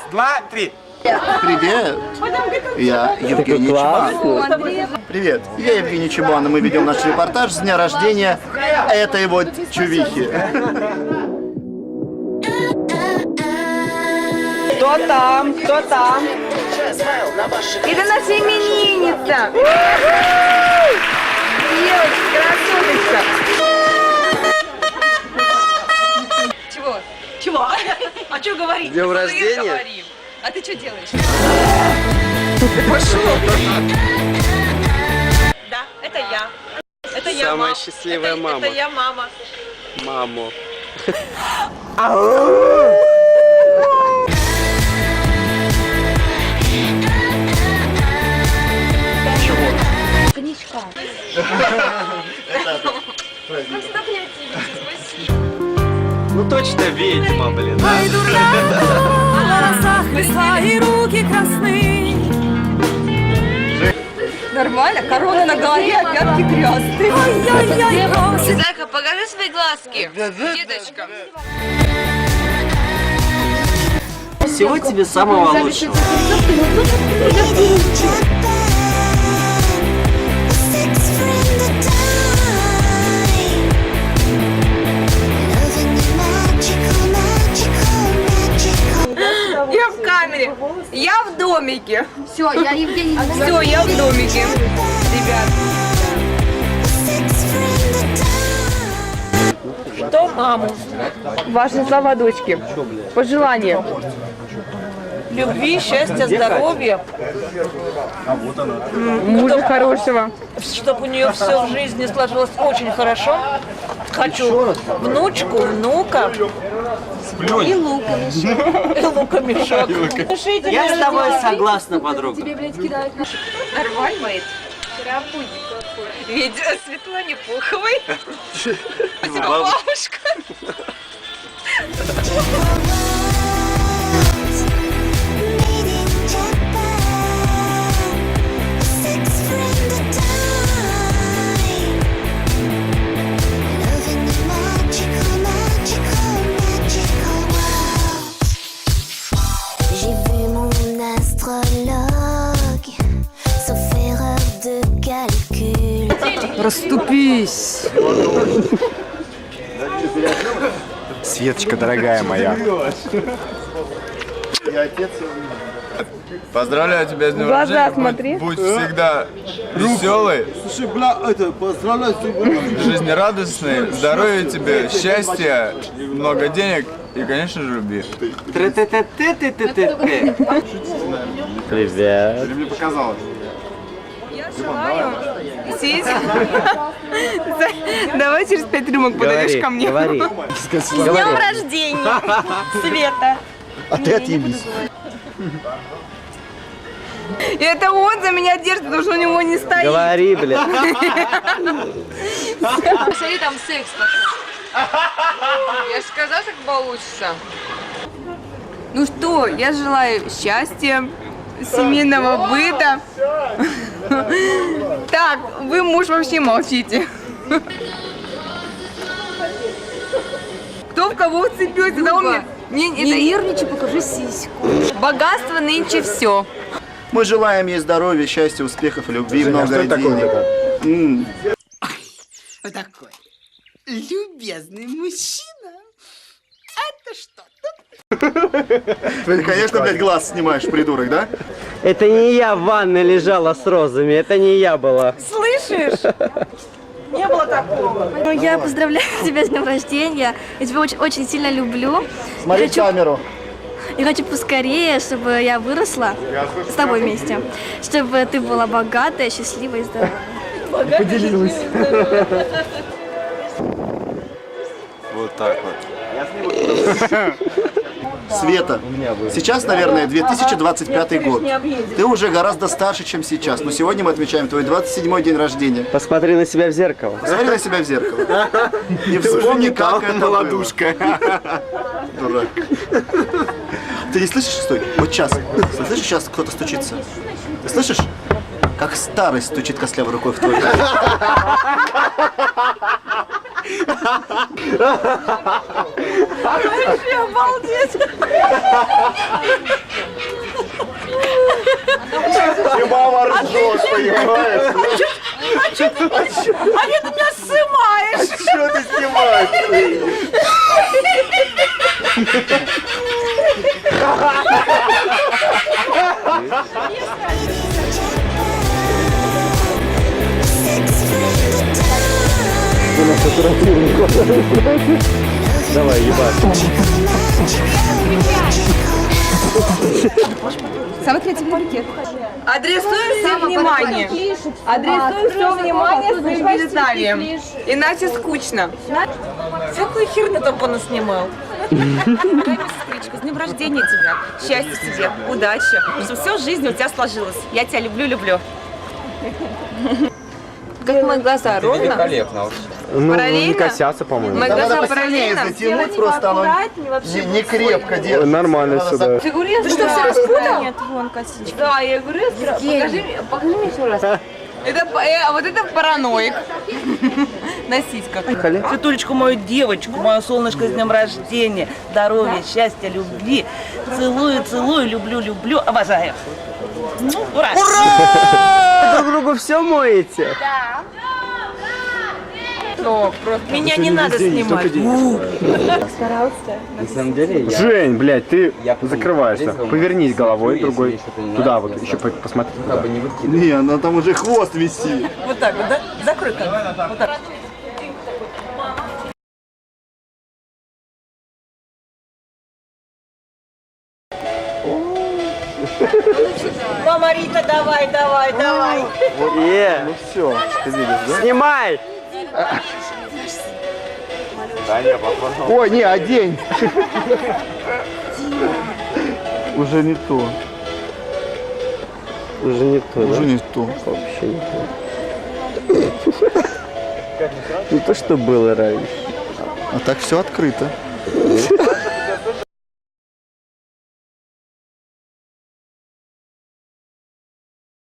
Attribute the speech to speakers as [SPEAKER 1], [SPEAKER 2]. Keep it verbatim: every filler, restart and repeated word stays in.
[SPEAKER 1] два, три.
[SPEAKER 2] Привет, я Евгений Чебан. Привет, я Евгений Чебан, и мы ведем наш репортаж с дня рождения этой вот чувихи.
[SPEAKER 3] Кто там? Кто там? Это наша именинница! Девочка, красоточка!
[SPEAKER 4] Чего? Чего? А что говорить?
[SPEAKER 5] С днем рождения?
[SPEAKER 4] А ты что делаешь?
[SPEAKER 3] Пошел!
[SPEAKER 4] Да, это я. Это я,
[SPEAKER 5] Самая
[SPEAKER 4] мама.
[SPEAKER 5] счастливая
[SPEAKER 4] это,
[SPEAKER 5] мама.
[SPEAKER 4] Это я мама.
[SPEAKER 5] Маму.
[SPEAKER 4] Коньячка.
[SPEAKER 5] Ну точно ведьма, блин. Да?
[SPEAKER 6] Ай, дурна, в волосах листва и руки красны.
[SPEAKER 3] Нормально? Корона на голове, а пятки грязные.
[SPEAKER 6] Ай-яй-яй, бросит.
[SPEAKER 4] Зайка, покажи свои глазки. Деточка.
[SPEAKER 5] Всего тебе самого лучшего.
[SPEAKER 3] Я в камере. Я в домике.
[SPEAKER 7] Все, я Евгений.
[SPEAKER 3] Все, я в домике. Ребят. Что маму? Ваши слова, дочки. Пожелания. Любви, счастья, здоровья. Мужа хорошего.
[SPEAKER 4] Чтобы у нее все в жизни сложилось очень хорошо. Хочу внучку, внука. И лука мешок. И лука мешок.
[SPEAKER 5] Я с тобой согласна, подруга.
[SPEAKER 4] Нормально это? Ведь Светлане Пуховой. Спасибо, бабушка.
[SPEAKER 8] J'ai vu mon astrologue, sauf erreur de calcul.
[SPEAKER 3] Расступись.
[SPEAKER 1] Светочка, дорогая моя. Поздравляю тебя с днем
[SPEAKER 3] Глаза
[SPEAKER 1] рождения.
[SPEAKER 3] смотри.
[SPEAKER 1] Будь, будь всегда веселый,
[SPEAKER 2] Слушай, бля, это, поздравляю тебя.
[SPEAKER 1] жизнерадостный, здоровья тебе, счастья, много денег и, конечно же, любви.
[SPEAKER 5] Тре-те-те-те-те-те-те. Привет.
[SPEAKER 1] Или мне показалось?
[SPEAKER 3] Я желаю сесть. Давай через пять рюмок подойдешь ко мне.
[SPEAKER 5] Говори.
[SPEAKER 3] С днем рождения, Света.
[SPEAKER 2] А ты отъебись.
[SPEAKER 3] И это он за меня держит, потому что у него не стоит.
[SPEAKER 5] Говори, блин.
[SPEAKER 4] Посмотри, там секс пошел.
[SPEAKER 3] Я же сказала, как получится. Ну что, я желаю счастья, семейного быта. Так, вы, муж, вообще молчите. Кто в кого вцепился? Да он мне... Не,
[SPEAKER 7] Не
[SPEAKER 3] это...
[SPEAKER 7] нервничай, покажи сиську.
[SPEAKER 3] Богатство нынче все.
[SPEAKER 2] Мы желаем ей здоровья, счастья, успехов, любви, много денег. М.
[SPEAKER 9] Вот такой любезный мужчина. Это что?
[SPEAKER 2] Ты, конечно, блядь, глаз снимаешь, придурок, да?
[SPEAKER 5] Это не я в ванной лежала с розами, это не я была.
[SPEAKER 3] Слышишь? Не было такого.
[SPEAKER 7] Ну, я поздравляю тебя с днем рождения. Я тебя очень, очень сильно люблю.
[SPEAKER 2] Смотри
[SPEAKER 7] Я
[SPEAKER 2] в
[SPEAKER 7] хочу,
[SPEAKER 2] камеру.
[SPEAKER 7] я хочу поскорее, чтобы я выросла с тобой вместе. Чтобы ты была богатая, счастливая и здоровая.
[SPEAKER 2] Поделилась.
[SPEAKER 1] Вот так вот.
[SPEAKER 2] Света, сейчас, наверное, две тысячи двадцать пятый год. Ты уже гораздо старше, чем сейчас. Но сегодня мы отмечаем твой двадцать седьмой день рождения.
[SPEAKER 5] Посмотри на себя в зеркало.
[SPEAKER 2] Посмотри на себя в зеркало. И вспомни, как это было.
[SPEAKER 1] Ладушка.
[SPEAKER 2] Дурак. Ты не слышишь? Стой. Вот сейчас. Ты слышишь, сейчас кто-то стучится? Ты слышишь? Как старость стучит костлявой рукой в твой.
[SPEAKER 4] Обалдеть!
[SPEAKER 2] И мама ржет, понимаешь?
[SPEAKER 4] А нет, ты меня снимаешь!
[SPEAKER 2] Что ты снимаешь?
[SPEAKER 5] Давай, ебать.
[SPEAKER 3] Самый креативный букет. Адресуем все внимание. Адресуем все внимание своим Вьетнамием. Иначе скучно.
[SPEAKER 4] Всякую херню там понаснимал.
[SPEAKER 3] Дорогая сестричка, с днем рождения тебя. Счастья тебе, удачи. Чтобы все в жизни у тебя сложилось. Я тебя люблю-люблю. Как мои глаза, ровно?
[SPEAKER 1] Великолепно.
[SPEAKER 5] Ну,
[SPEAKER 3] Параллельно?
[SPEAKER 5] не косятся, по-моему.
[SPEAKER 3] Мои
[SPEAKER 2] Надо
[SPEAKER 3] глаза
[SPEAKER 2] посильнее
[SPEAKER 3] параллельно.
[SPEAKER 2] затянуть, просто оно не, не крепко держится.
[SPEAKER 5] Нормально
[SPEAKER 2] Надо
[SPEAKER 5] сюда.
[SPEAKER 3] Ты говоришь, ты что, все распутал? Нет, вон косичка. Да, я говорю, покажи, покажи мне еще раз. Это, э, вот это параноик. На сиськах.
[SPEAKER 4] Светулечку, мою девочку, мою солнышко с днем рождения, здоровья, счастья, любви. Целую, целую, люблю, люблю, обожаю. Ну, ура!
[SPEAKER 5] Друг другу все моете?
[SPEAKER 3] Что, просто
[SPEAKER 4] Меня не надо снимать.
[SPEAKER 5] На самом деле я... Жень, блядь, ты закрываешься. Повернись головой другой. Туда вот, еще по- посмотри. туда.
[SPEAKER 2] Не, она там уже хвост висит.
[SPEAKER 4] Вот так вот, да? Закрой камеру. Вот так. Мама Рита, давай, давай, давай.
[SPEAKER 5] Е,
[SPEAKER 2] Ну все, ты видишь, да?
[SPEAKER 5] снимай!
[SPEAKER 2] Ой, не, одень. Уже не то.
[SPEAKER 5] Уже не то,
[SPEAKER 2] Уже
[SPEAKER 5] да?
[SPEAKER 2] не то.
[SPEAKER 5] Вообще не то. Не то, что было раньше.
[SPEAKER 2] А так все открыто.